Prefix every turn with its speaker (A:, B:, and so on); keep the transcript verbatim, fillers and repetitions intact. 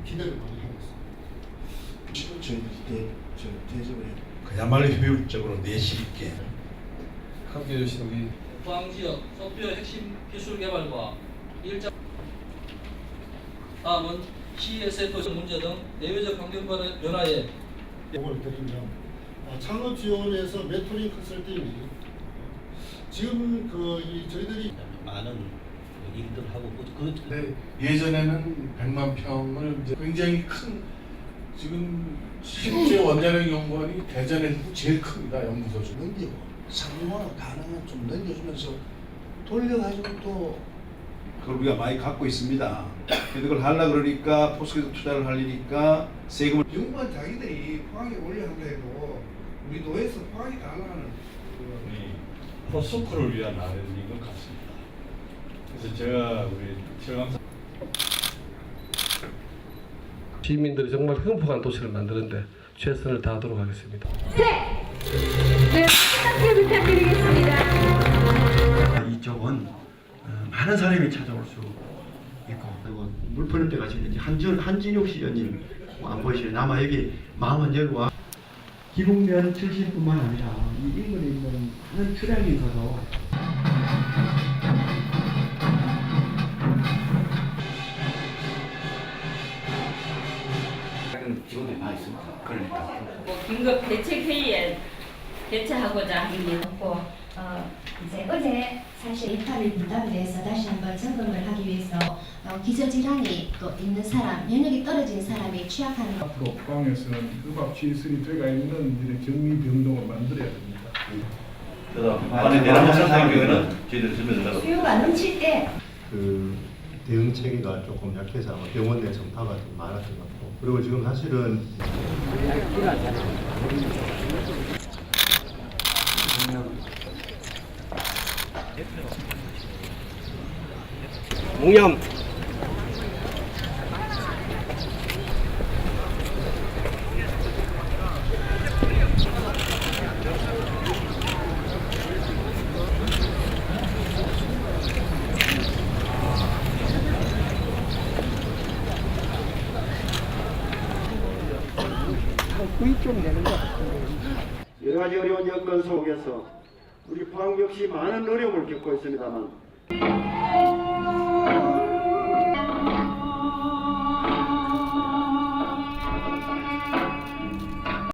A: 기대를 많이 하고 있습니다.
B: 저희들이 대, 저 대접을 해요.
C: 그야말로 효율적으로 내실 있게
D: 함께해 주신 우리
E: 포항 지역 소프트웨어 핵심 기술 개발과 일자 다음은 씨에스에프 문제 등 내외적 환경 변화에
A: 공을 드리면 아, 창업 지원에서 메토링 컨설팅이 지금 그 이 저희들이
F: 많은 일들 하고 그
C: 근데 예전에는 백만 평을 이제 굉장히 큰 지금 실제 원자력 연구원이 대전에서 제일 큽니다. 연구소 중.
B: 넘기고 상용화 가능한 좀 넘겨주면서 돌려가지고 또
G: 그걸 우리가 많이 갖고 있습니다. 그걸 하려 그러니까 포스에서 투자를 하려니까 세금을
B: 연구원 자기들이 포항에 올려하려 해도 우리 노에서 포항이 다 나가는
H: 포스코를 위한 아르바이트인 것 같습니다. 그래서 제가 우리 최강사
D: 시민들이 정말 행복한 도시를 만드는데 최선을 다하도록 하겠습니다.
I: 네, 네, 함께 부탁드리겠습니다.
J: 이쪽은 어, 많은 사람이 찾아올 수 있고 그리고 물푸는 때 가시는 한준 한진욱 시장님 안 보이시죠? 아마 여기 마음은 여기 와. 기록면 출신뿐만 아니라 이 인근에 있는 많은 출향인가도
F: 직원들이 많이 있습니다. 그러니까
I: 뭐 긴급 대책 회의에 대처하고자 합니다.
K: 어, 이제 어제 사실 이탈을 분담에 대해서 다시 한번 점검을 하기 위해서 어, 기저질환이 또 있는 사람, 면역이 떨어진 사람이 취약하는 것.
H: 앞으로 포항에서는 흡압 시설이 들어가 있는 이런 격리 병동을 만들어야 됩니다.
G: 그래서 안에 내려놓는 상경에는 저희들이 준비를
K: 수요가 넘칠 때
J: 그 대응 체계가 조금 약해서 아마 병원 내 전파가 좀 많았던 것 같고 그리고 지금 사실은
D: 옹염
J: 여러 가지 어려운 여건 속에서 우리 포항 역시 많은 어려움을 겪고 있습니다만